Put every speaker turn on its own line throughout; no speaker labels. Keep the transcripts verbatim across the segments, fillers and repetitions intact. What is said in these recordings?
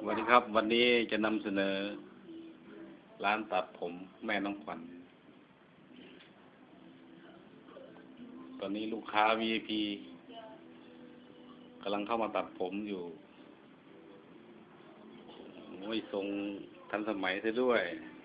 สวัสดีครับวันนี้จะนำเสนอร้านตัดผมแม่น้องขวัญตอนนี้ลูกค้า วี ไอ พี กำลังเข้ามาตัดผมอยู่โอ้ยทรงทันสมัยซะด้วย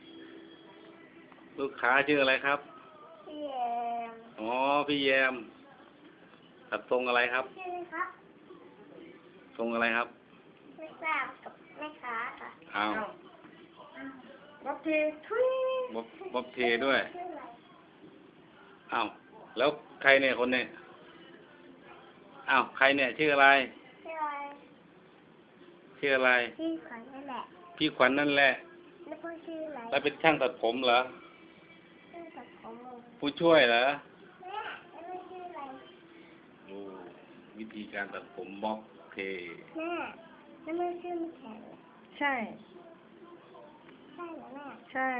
ลูกค้าชื่ออะไรครับ
พี่แยม
อ๋อพี่แยมตัดทรงอะไรครับ
ชื่อครับ
ทรงอะไรครับ
ไม่ทราบกับแม่ค้าค่ะ
อ้าว
บ๊อบเททุย
บ๊อบบ๊อบเทด้วยอ้าวแล้วใครเนี่ยคนเนี่ยอ้าวใครเนี่ยชื่ออะไร
ชื่ออะไร
ชื่ออะไร
พี่ขวัญนั่นแหละ
พี่ขวัญนั่นแหละ
แล้วพ่อชื่ออะไร
แล้วเป็นช่างตัดผมเหรอ
ชื่อตัดผม
ผู้ช่วยเหรอ
แม่แล้วแม่ชื่ออะไร
โอ้วิธีการตัดผมบ๊อบเท
แม่แล้วแม่ชื่อไม่แข็ง
ใช่
ใช่เหรอแม่
ใช่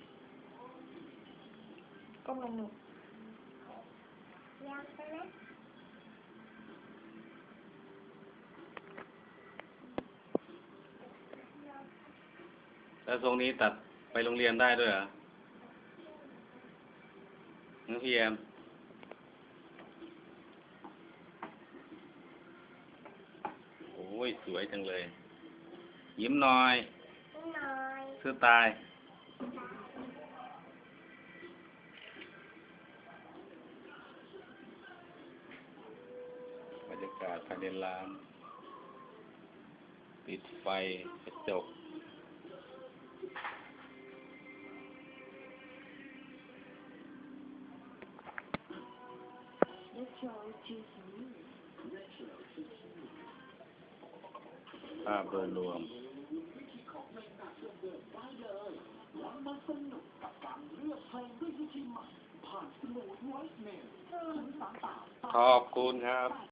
ก็มันหนุก
ยังใช่ไหม
แล้วทรงนี้ตัดไปโรงเรียนได้ด้วยเหรอน้องพี่แอมโอ้ยสวยจังเลยยิ้มหน่อย
ยิ้มหน่อย
ชื่อตายบรรยากาศภายในร้านปิดไฟกระจกภาพโดยรวมขอบคุณครับ